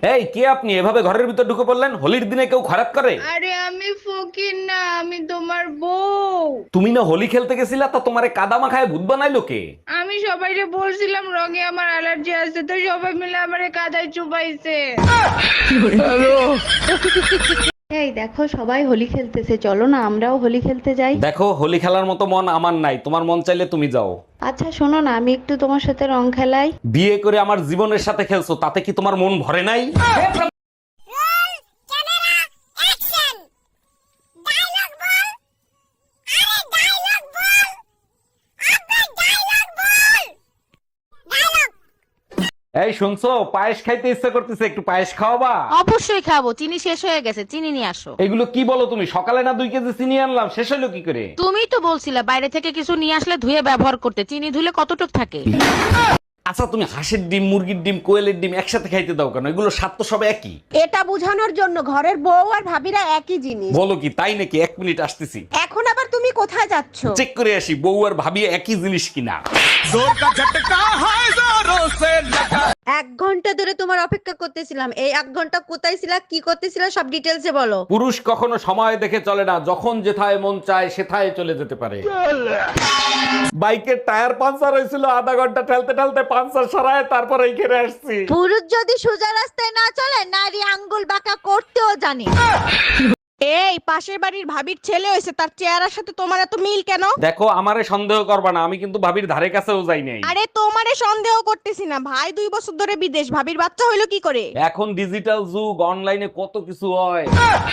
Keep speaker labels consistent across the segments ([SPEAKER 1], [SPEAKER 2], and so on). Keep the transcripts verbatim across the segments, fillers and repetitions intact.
[SPEAKER 1] এই কে আপনি এভাবে ঘরের ভিতর ঢুকে পড়লেন? হোলির দিনে কেউ খারাপ করে?
[SPEAKER 2] আরে আমি ফকির না, আমি তোমার বউ।
[SPEAKER 1] তুমি না হোলি খেলতে গেছিলা, তা তোমারে কাদা মাখায় ভূত বানাইলো কে?
[SPEAKER 2] আমি সবাইকে বলছিলাম রঙে আমার অ্যালার্জি আছে, তো সবাই মিলে আমারে কাদায় চুপাইছে।
[SPEAKER 3] এই দেখো সবাই হোলি খেলতেছে, চলো না আমরাও হোলি খেলতে যাই।
[SPEAKER 1] দেখো, হোলি খেলার মতো মন আমার নাই, তোমার মন চাইলে তুমি যাও।
[SPEAKER 3] আচ্ছা শোনো না, আমি একটু তোমার সাথে রং খেলাই।
[SPEAKER 1] বিয়ে করে আমার জীবনের সাথে খেলছো, তাতে কি তোমার মন ভরে নাই? এই শুনছো, পায়েস খাইতে ইচ্ছা করতেছে, একটু পায়েস খাওয়াবা?
[SPEAKER 4] অবশ্যই খাবো, চিনি শেষ হয়ে গেছে, চিনি নিয়ে আসো।
[SPEAKER 1] এগুলো কি বলো তুমি? সকালে না দুই কেজি চিনি আনলাম, শেষ হলো কি করে?
[SPEAKER 4] তুমিই তো বলছিলে বাইরে থেকে কিছু নিয়ে আসলে ধুয়ে ব্যবহার করতে, চিনি ধুলে কতটুক থাকে।
[SPEAKER 1] আচ্ছা, তুমি হাঁসের ডিম, মুরগির ডিম, কোয়েলের ডিম একসাথে খাইতে দাও কেন? এগুলো স্বাদ তো সব একই।
[SPEAKER 5] এটা বোঝানোর জন্য ঘরের বউ আর ভাবিরা একই জিনিস।
[SPEAKER 1] বলো কি তাই নাকি? এক মিনিট আসতেছি,
[SPEAKER 5] এখন আবার তুমি কোথায় যাচ্ছ?
[SPEAKER 1] চেক করে আসি বউ আর ভাবি একই জিনিস কিনা।
[SPEAKER 5] এক ঘন্টা ধরে তোমার অপেক্ষা করতেছিলাম, এই এক ঘন্টা কোথায় ছিলা, কি করতেছিলা, সব ডিটেলসে বলো।
[SPEAKER 1] পুরুষ কখনো সময় দেখে চলে না, যখন যেথায় মন চায় সেথায় চলে যেতে পারে। বাইকের টায়ার পাঞ্চার হয়েছিল, আধা ঘন্টা ঠেলতে ঠেলতে পাঞ্চার সারায় তারপর এইখানে আসছি।
[SPEAKER 5] পুরুষ যদি সোজা রাস্তায় না চলে, নারী আঙ্গুল বাঁকা করতেও জানে। এই পাশের বাড়ির ভাবির ছেলে হয়েছে, তার চেহারার সাথে তোমার এত মিল কেন?
[SPEAKER 1] দেখো, আমারে সন্দেহ করবা না, আমি কিন্তু ভাবির ধারে কাছেও যাই নাই।
[SPEAKER 5] আরে তোমারে সন্দেহ করতেছি না, ভাই দুই বছর ধরে বিদেশ, ভাবির বাচ্চা হইলো কি করে?
[SPEAKER 1] এখন ডিজিটাল যুগ, অনলাইনে কত কিছু হয়।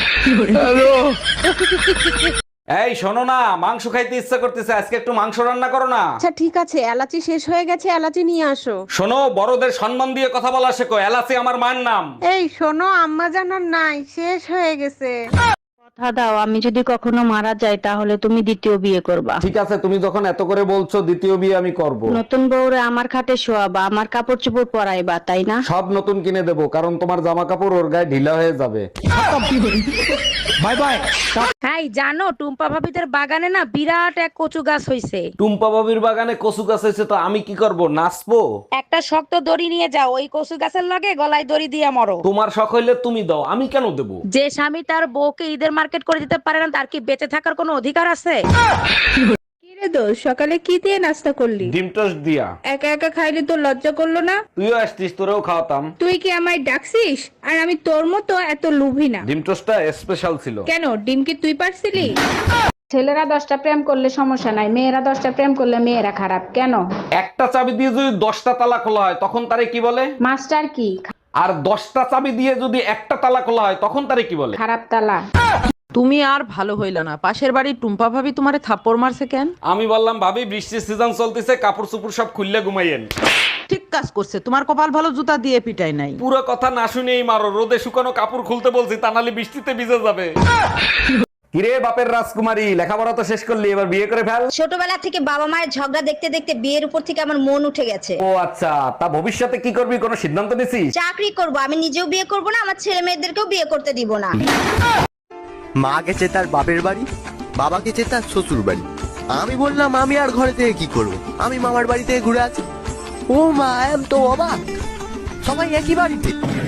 [SPEAKER 1] এই শোনো না, মাংস খাইতে ইচ্ছা করতেছে, আজকে একটু মাংস রান্না করো না।
[SPEAKER 5] আচ্ছা ঠিক আছে, এলাচি শেষ হয়ে গেছে, এলাচি নিয়ে আসো।
[SPEAKER 1] শোনো, বড়দের সম্মান দিয়ে কথা বলা শেখো, এলাচি আমার মায়ের নাম।
[SPEAKER 5] এই শোনো, আম্মা জানার নাই, শেষ হয়ে গেছে।
[SPEAKER 3] কথা দাও, আমি যদি কখনো মারা যাই তাহলে তুমি দ্বিতীয় বিয়ে করবা।
[SPEAKER 1] ঠিক আছে, তুমি যখন এত করে বলছো, দ্বিতীয় বিয়ে আমি করব।
[SPEAKER 3] নতুন বউরে আমার খাটে শোয়াবা, আমার কাপড় চোপড় পরাইবা, তাই না?
[SPEAKER 1] সব নতুন কিনে দেবো, কারণ তোমার জামা কাপড় ওর গায়ে ঢিলা হয়ে যাবে। Bye bye.
[SPEAKER 4] হ্যাঁ জানো, টুম্পা ভাবিদের বাগানে না বিরাট এক কচু গাছ হইছে।
[SPEAKER 1] টুম্পা বাবির বাগানে কচু গাছ হয়েছে, তো আমি কি করব? নাচবো?
[SPEAKER 4] একটা শক্ত দড়ি নিয়ে যাও, ওই কচু গাছের লগে গলায় দড়ি দিয়ে মরো।
[SPEAKER 1] তোমার শখ হইলে তুমি দাও, আমি কেন দেবো?
[SPEAKER 4] যে স্বামী তার বউকে ঈদের মার্কেট করে দিতে পারে না, তার কি বেঁচে থাকার কোনো অধিকার আছে?
[SPEAKER 2] কিরে দোষ, সকালে কি দিয়ে নাস্তা করলি?
[SPEAKER 1] ডিম টোস্ট দিয়া।
[SPEAKER 2] একা একা খাইলে তো লজ্জা করলো না?
[SPEAKER 1] তুইও আসতিস, তোরেও খাওয়াতাম।
[SPEAKER 2] তুই কি আমায় ডাকছিস? আর আমি তোর মতো এত লোভী না।
[SPEAKER 1] ডিম টোস্টটা স্পেশাল ছিল।
[SPEAKER 2] কেন, ডিম কি তুই পারছিলি? ছেলেরা দশটা প্রেম করলে সমস্যা নাই, মেয়েরা দশটা প্রেম করলে মেয়েরা খারাপ কেন?
[SPEAKER 1] একটা চাবি দিয়ে যদি দশটা তালা খোলা হয়, তখন তারে কি বলে?
[SPEAKER 2] মাস্টার কি?
[SPEAKER 1] আর দশটা চাবি দিয়ে যদি একটা তালা খোলা হয়, তখন তারে কি বলে?
[SPEAKER 2] খারাপ তালা।
[SPEAKER 6] তুমি আর ভালো হইল না, পাশের বাড়ির টুম্পা ভাবি তোমারে থাপ্পড় মারছে কেন?
[SPEAKER 1] আমি বললাম, ভাবি বৃষ্টির সিজন চলতেছে, কাপড় চোপড় সব খুললে ঘুমাইয়েন।
[SPEAKER 6] ঠিক কাজ করছে, তোমার কপাল ভালো, জুতা দিয়ে পিটাই নাই।
[SPEAKER 1] পুরো কথা না শুনেই মারো, রোদে শুকানো কাপড় খুলতে বলছি, তা নাহলে বৃষ্টিতে ভিজে যাবে। কিরে বাপের রাজকুমারী, লেখাপড়া তো শেষ করলি, এবার বিয়ে করে ফেল।
[SPEAKER 7] ছোটবেলা থেকে বাবা মায়ের ঝগড়া দেখতে দেখতে বিয়ের উপর থেকে আমার মন উঠে গেছে।
[SPEAKER 1] ও আচ্ছা, তা ভবিষ্যতে কি করবি, কোনো সিদ্ধান্ত নিছিস?
[SPEAKER 7] চাকরি করব, আমি নিজেও বিয়ে করব না, আমার ছেলে মেয়েদেরকেও বিয়ে করতে দিব না।
[SPEAKER 8] মা গেছে তার বাপের বাড়ি, বাবা গেছে তার শ্বশুর বাড়ি। আমি বললাম আমি আর ঘরে থেকে কি করব, আমি মামার বাড়ি থেকে ঘুরে আছি। ও মা, এম তো অবাক, সবাই একই বাড়িতে।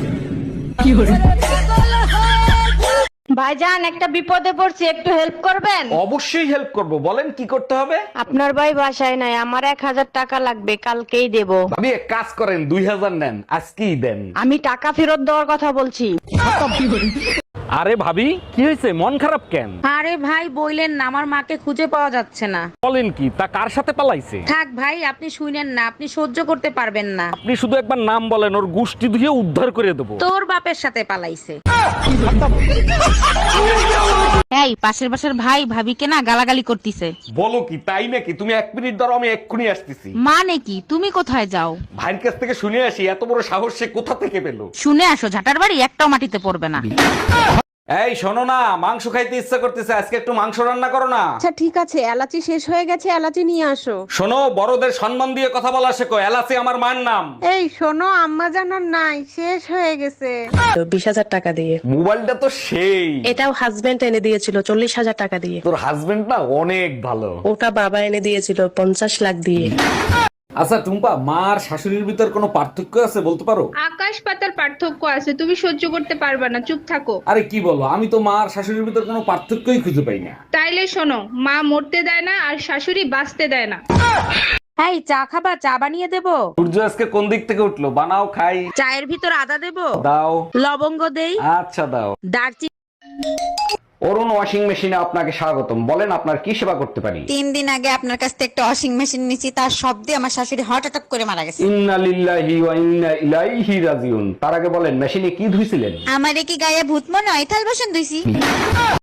[SPEAKER 3] ভাইজান, একটা বিপদে পড়ছি, একটু হেল্প করবেন?
[SPEAKER 1] অবশ্যই হেল্প করব, বলেন কি করতে হবে।
[SPEAKER 3] আপনার ভাই বাসায় নাই, আমার এক হাজার টাকা লাগবে, কালকেই দেব।
[SPEAKER 1] ভাবি এক কাজ করেন, দুই হাজার নেন, আজকেই দেন।
[SPEAKER 3] আমি টাকা ফেরত দেওয়ার কথা বলছি।
[SPEAKER 1] আরে ভাবি, কি হয়েছে, মন খারাপ কেন?
[SPEAKER 4] আরে ভাই বইলেন না, আমার মাকে খুঁজে পাওয়া যাচ্ছে না।
[SPEAKER 1] বলেন কি, তা কার সাথে পালাইছে?
[SPEAKER 4] থাক ভাই, আপনি শুনেন না, আপনি সহ্য করতে পারবেন না।
[SPEAKER 1] আপনি শুধু একবার নাম বলেন, ওর গুষ্টি ধুয়ে উদ্ধার করে দেবো।
[SPEAKER 4] তোর বাপের সাথে পালাইছে। এই পাশের বাসার ভাই ভাবিকে না গালাগালি করতিছে।
[SPEAKER 1] বলো কি, তাই নাকি? তুমি এক মিনিট ধরো, আমি এক্ষুনি আসতেছি।
[SPEAKER 4] মানে কি, তুমি কোথায় যাও?
[SPEAKER 1] ভাইয়ের কাছ থেকে শুনে আসি, এত বড় সাহস সে কোথা থেকে পেলো।
[SPEAKER 4] শুনে আসো, ঝাটার বাড়ি একটাও মাটিতে পড়বে না।
[SPEAKER 1] এই শোনো না, মাংস খাইতে ইচ্ছা করতেছে, আজকে একটু মাংস রান্না করো না।
[SPEAKER 5] আচ্ছা ঠিক আছে, এলাচি শেষ হয়ে গেছে, এলাচি নিয়ে আসো।
[SPEAKER 1] শোনো, বড়দের সম্মান দিয়ে কথা বলা শেখো, এলাচি আমার মায়ের নাম।
[SPEAKER 5] এই শোনো, আম্মা জানার নাই, শেষ হয়ে গেছে।
[SPEAKER 9] বিশ হাজার টাকা দিয়ে।
[SPEAKER 1] মোবাইলটা তো সেই।
[SPEAKER 9] এটাও হাজবেন্ড এনে দিয়েছিল চল্লিশ হাজার টাকা দিয়ে।
[SPEAKER 1] তোর হাজবেন্ড না অনেক ভালো।
[SPEAKER 9] ওটা বাবা এনে দিয়েছিল পঞ্চাশ লাখ দিয়ে।
[SPEAKER 1] আচ্ছা টুম্পা, মা আর শাশুড়ির ভিতর কোনো পার্থক্য আছে বলতে পারো?
[SPEAKER 2] আকাশ পাতার পার্থক্য আছে, তুমি সহ্য করতে পারবা না, চুপ থাকো।
[SPEAKER 1] আরে কি বলো, আমি তো মা আর শাশুড়ির ভিতর কোনো পার্থক্যই খুঁজে পাই না।
[SPEAKER 2] তাইলে শোনো, মা মরতে দেয় না আর শাশুড়ি বাঁচতে দেয় না।
[SPEAKER 4] এই চা খাবা? চা বানিয়ে দেবো?
[SPEAKER 1] সূর্য আজকে কোন দিক থেকে উঠলো, বানাও খাই।
[SPEAKER 4] চায়ের ভিতর আদা দেবো?
[SPEAKER 1] দাও।
[SPEAKER 4] লবঙ্গ দেই?
[SPEAKER 1] আচ্ছা দাও।
[SPEAKER 4] দারচিনি?
[SPEAKER 1] অরুণ ওয়াশিং মেশিনে আপনাকে স্বাগতম, বলেন আপনার কি সেবা করতে পারি?
[SPEAKER 5] তিন দিন আগে আপনার কাছ থেকে একটা ওয়াশিং মেশিন নিয়েছি, তার শব্দে আমার শাশুড়ি হার্ট অ্যাটাক করে মারা গেছে।
[SPEAKER 1] ইন্না লিল্লাহি ওয়া ইন্না ইলাইহি রাজিউন। তার আগে বলেন মেশিনে কি ধুইছিলেন?
[SPEAKER 5] আমারে কি গায়ে ভূত মনে হয়? থাল বাসন ধুইছি।